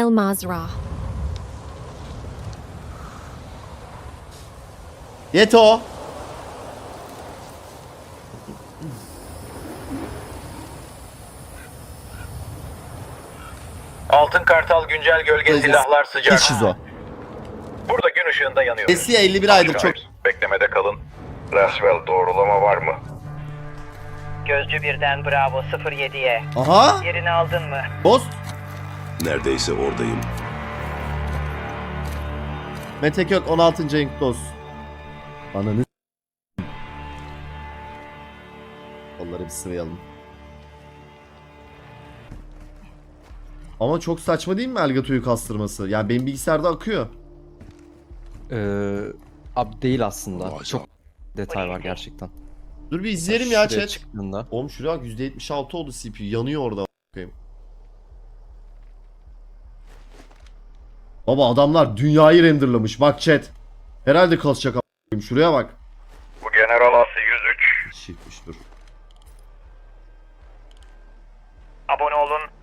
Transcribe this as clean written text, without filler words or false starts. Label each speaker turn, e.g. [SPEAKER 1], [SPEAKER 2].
[SPEAKER 1] El Mazrah.
[SPEAKER 2] Yeto.
[SPEAKER 3] Altın Kartal güncel gölge silahlar sıcak.
[SPEAKER 2] Hiç şizo.
[SPEAKER 3] Burada gün ışığında yanıyoruz.
[SPEAKER 2] Esiye 51 aydır çok.
[SPEAKER 3] Beklemede kalın. Roswell doğrulama var mı?
[SPEAKER 4] Gözcü birden Bravo 07'ye.
[SPEAKER 2] Aha.
[SPEAKER 4] Yerini aldın mı?
[SPEAKER 2] Ghost.
[SPEAKER 5] Neredeyse oradayım.
[SPEAKER 2] Mete Kök 16. ayın kutlu olsun. Ananı onları bir sıvayalım. Ama çok saçma değil mi Elgato'yu kastırması? Yani benim bilgisayarda akıyor.
[SPEAKER 6] Abi değil aslında.
[SPEAKER 5] Vay
[SPEAKER 6] Çok detay var gerçekten.
[SPEAKER 2] Dur bir izleyelim ya
[SPEAKER 6] Şuraya
[SPEAKER 2] chat.
[SPEAKER 6] çıktığında.
[SPEAKER 2] Oğlum şuraya bak %76 oldu CPU. Yanıyor orada. Bakayım. Baba adamlar dünyayı renderlamış. Bak chat. Herhalde kasacak a**ayım. Şuraya bak.
[SPEAKER 3] Bu General Asi 103.
[SPEAKER 2] Şifmiş dur.
[SPEAKER 4] Abone olun,